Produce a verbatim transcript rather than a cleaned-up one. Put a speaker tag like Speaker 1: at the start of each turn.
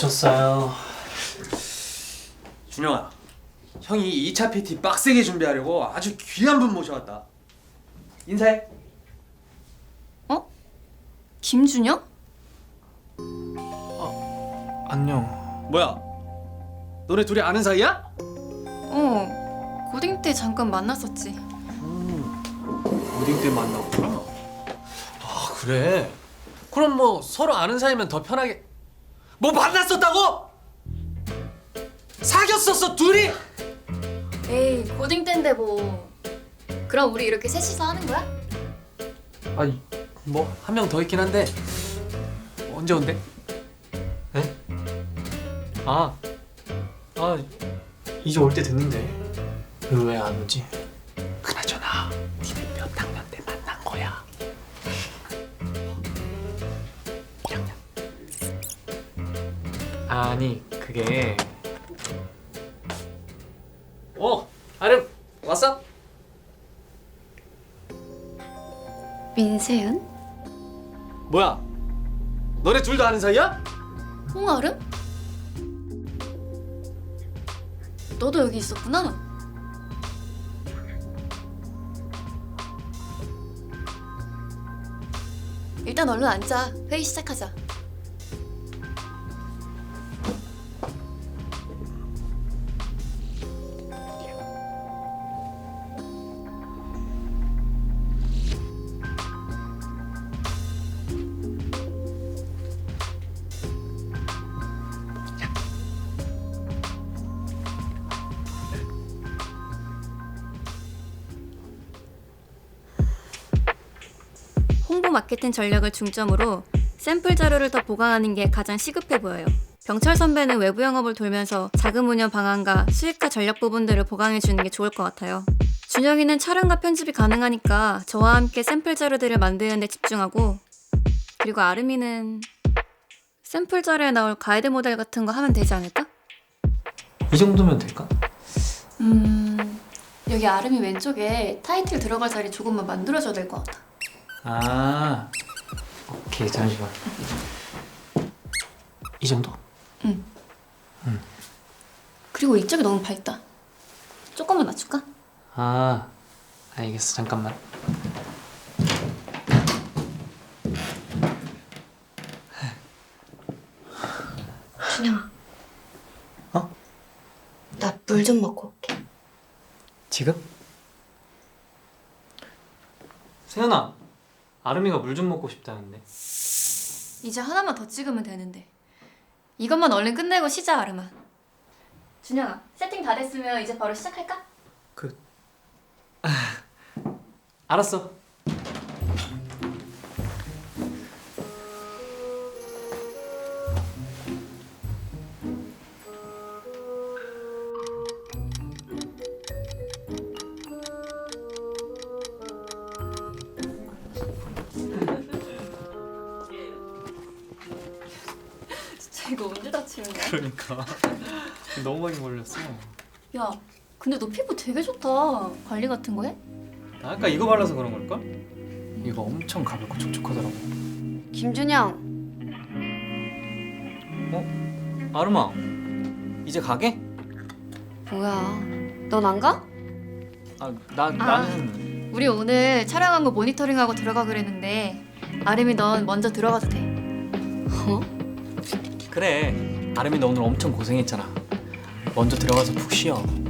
Speaker 1: 오셨어요.
Speaker 2: 준영아, 형이 이 차 피티 빡세게 준비하려고 아주 귀한 분 모셔왔다. 인사해.
Speaker 3: 어? 김준영?
Speaker 1: 안녕.
Speaker 2: 뭐야? 너네 둘이 아는 사이야?
Speaker 3: 어, 고딩 때 잠깐 만났었지.
Speaker 1: 고딩 때 만났구나. 아 그래. 그럼 뭐 서로 아는 사이면 더 편하게. 뭐 만났었다고? 사귀었었어 둘이?
Speaker 3: 에이, 고딩 때인데 뭐. 그럼 우리 이렇게 셋이서 하는 거야?
Speaker 1: 아니 뭐 한 명 더 있긴 한데 언제 온대? 에? 아, 아 이제 올 때 됐는데 왜 안 오지? 그나저나 니네 몇 학년 때 만난 거야? 일 학년. 아니 그게 어 아름 왔어?
Speaker 3: 민세윤?
Speaker 2: 뭐야? 너네 둘 다 아는 사이야?
Speaker 3: 홍아름? 너도 여기 있었구나? 일단 얼른 앉아. 회의 시작하자. 홍보 마케팅 전략을 중점으로 샘플 자료를 더 보강하는 게 가장 시급해 보여요. 병철 선배는 외부 영업을 돌면서 자금 운영 방안과 수익화 전략 부분들을 보강해 주는 게 좋을 것 같아요. 준영이는 촬영과 편집이 가능하니까 저와 함께 샘플 자료들을 만드는 데 집중하고, 그리고 아름이는 샘플 자료에 나올 가이드 모델 같은 거 하면 되지 않을까?
Speaker 1: 이 정도면 될까?
Speaker 3: 음... 여기 아름이 왼쪽에 타이틀 들어갈 자리 조금만 만들어줘야 될 것 같아.
Speaker 1: 아 오케이 잠시만. 이 정도?
Speaker 3: 응. 그리고 이쪽이 너무 밝다. 조금만 낮출까?
Speaker 1: 아 알겠어 잠깐만.
Speaker 4: 준영아.
Speaker 1: 어?
Speaker 4: 나 물 좀 먹고 올게.
Speaker 1: 지금? 세연아 아름이가 물 좀 먹고 싶다는데.
Speaker 3: 이제 하나만 더 찍으면 되는데. 이것만 얼른 끝내고 쉬자, 아름아. 준영아, 세팅 다 됐으면 이제 바로 시작할까?
Speaker 1: 그... 아, 알았어.
Speaker 3: 진짜 이거 언제 다치는 거야?
Speaker 1: 그러니까 너무 많이 걸렸어.
Speaker 3: 야, 근데 너 피부 되게 좋다. 관리 같은 거 해?
Speaker 1: 나 아까 이거 발라서 그런 걸걸? 이거 엄청 가볍고 촉촉하더라고.
Speaker 4: 김준영.
Speaker 1: 어? 아름아 이제 가게?
Speaker 4: 뭐야? 넌 안 가?
Speaker 1: 아, 나, 나는
Speaker 3: 우리 오늘 촬영한 거 모니터링하고 들어가 그랬는데 아름이 넌 먼저 들어가도 돼.
Speaker 4: 어?
Speaker 1: 그래 아름이 너 오늘 엄청 고생했잖아. 먼저 들어가서 푹 쉬어.